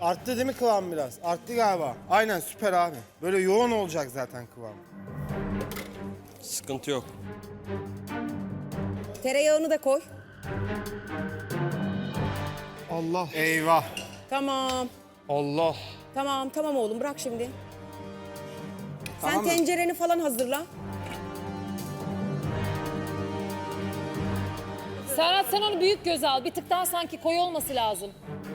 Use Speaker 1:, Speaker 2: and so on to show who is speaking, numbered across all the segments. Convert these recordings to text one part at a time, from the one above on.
Speaker 1: Arttı değil mi kıvam biraz? Arttı galiba. Aynen süper abi. Böyle yoğun olacak zaten kıvam.
Speaker 2: Sıkıntı yok.
Speaker 3: Tereyağını da koy.
Speaker 1: Allah. Eyvah.
Speaker 3: Tamam.
Speaker 1: Allah.
Speaker 3: Tamam oğlum bırak şimdi.
Speaker 1: Tamam
Speaker 3: Sen
Speaker 1: mı?
Speaker 3: tencereni falan hazırla.
Speaker 4: Serhat sen onu büyük göze al. Bir tık daha sanki koyu olması lazım.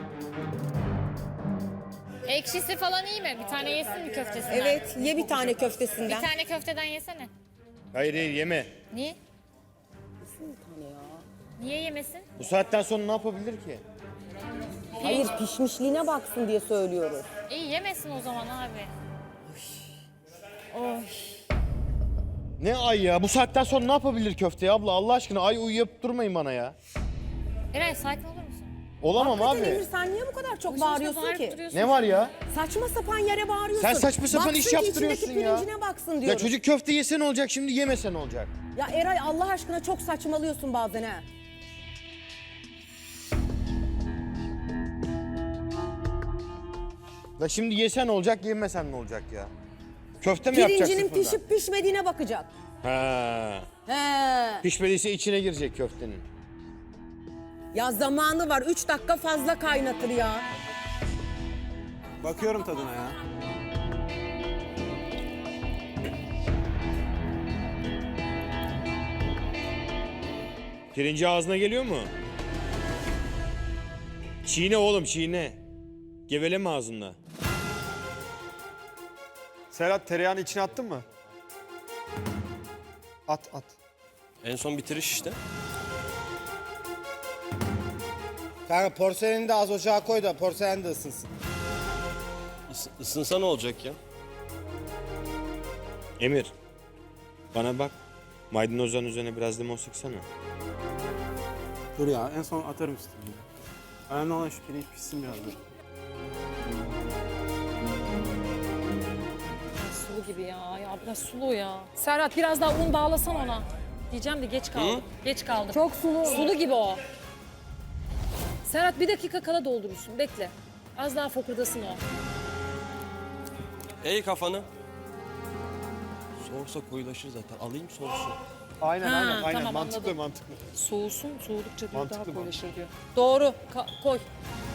Speaker 5: Ekşisi falan iyi mi? Bir tane yesin mi köftesinden?
Speaker 3: Evet ye bir tane
Speaker 5: Bir
Speaker 3: köftesinden.
Speaker 5: tane köfteden yesene.
Speaker 6: Hayır yeme.
Speaker 5: Niye? Niye yemesin?
Speaker 6: Bu saatten sonra ne yapabilir ki?
Speaker 3: Hayır pişmişliğine baksın diye söylüyoruz.
Speaker 5: İyi yemesin o zaman abi.
Speaker 6: Ne ay ya? Bu saatten sonra ne yapabilir köfteye abla? Allah aşkına ay uyuyup durmayın bana ya.
Speaker 5: Eray sakin olur musun?
Speaker 6: Olamam
Speaker 3: Hakikaten
Speaker 6: abi.
Speaker 3: Emir sen niye bu kadar çok
Speaker 5: Boşuna
Speaker 3: bağırıyorsun
Speaker 5: bağırıp
Speaker 3: ki?
Speaker 5: duruyorsun.
Speaker 6: Ne var ya?
Speaker 3: Saçma sapan yere bağırıyorsun.
Speaker 6: Sen saçma sapan iş
Speaker 3: Baksın ki
Speaker 6: yaptırıyorsun
Speaker 3: içindeki
Speaker 6: ya.
Speaker 3: pirincine baksın diyoruz.
Speaker 6: Ya çocuk köfte yese ne olacak şimdi yemese ne olacak?
Speaker 3: Ya Eray Allah aşkına çok saçmalıyorsun bazen ha.
Speaker 6: Ya şimdi yesen ne olacak yemesen ne olacak ya? Köfte mi yapacaksın
Speaker 3: Pirincinin
Speaker 6: fırından?
Speaker 3: pişip pişmediğine bakacak.
Speaker 6: Ha.
Speaker 3: He.
Speaker 6: Pişmediyse içine girecek köftenin.
Speaker 3: Ya zamanı var 3 dakika fazla kaynatır ya.
Speaker 1: Bakıyorum tadına ya.
Speaker 6: Pirinci ağzına geliyor mu? Çiğne oğlum çiğne. Geveleme ağzında.
Speaker 7: Serhat tereyağını içine attın mı? At.
Speaker 2: En son bitiriş işte.
Speaker 1: Kanka porseleni de az ocağa koy da porselen de ısınsın.
Speaker 2: Isınsa ne olacak ya?
Speaker 6: Emir. Bana bak. Maydanozların üzerine biraz limon sıksana.
Speaker 8: Dur ya en son atarım üstüne. Önemli olan şu pirinç pişsin biraz dur.
Speaker 4: Sulu gibi ya. Ya biraz sulu ya. Serhat biraz daha un bağlasan ona. Diyeceğim de geç kaldım. Geç kaldım.
Speaker 3: Çok sulu.
Speaker 4: Sulu gibi o. Serhat bir dakika kala doldurursun. Bekle. Az daha fokurdasın o.
Speaker 2: Ey kafanı. Soğursa koyulaşır zaten. Alayım soğusun.
Speaker 7: Aynen
Speaker 4: Ha,
Speaker 7: aynen
Speaker 4: tamam,
Speaker 7: mantıklı
Speaker 4: anladım.
Speaker 7: mantıklı.
Speaker 4: Soğusun, soğudukça diyor
Speaker 7: Mantıklı,
Speaker 4: daha
Speaker 7: mantıklı.
Speaker 4: koyulaşır diyor. Doğru, koy.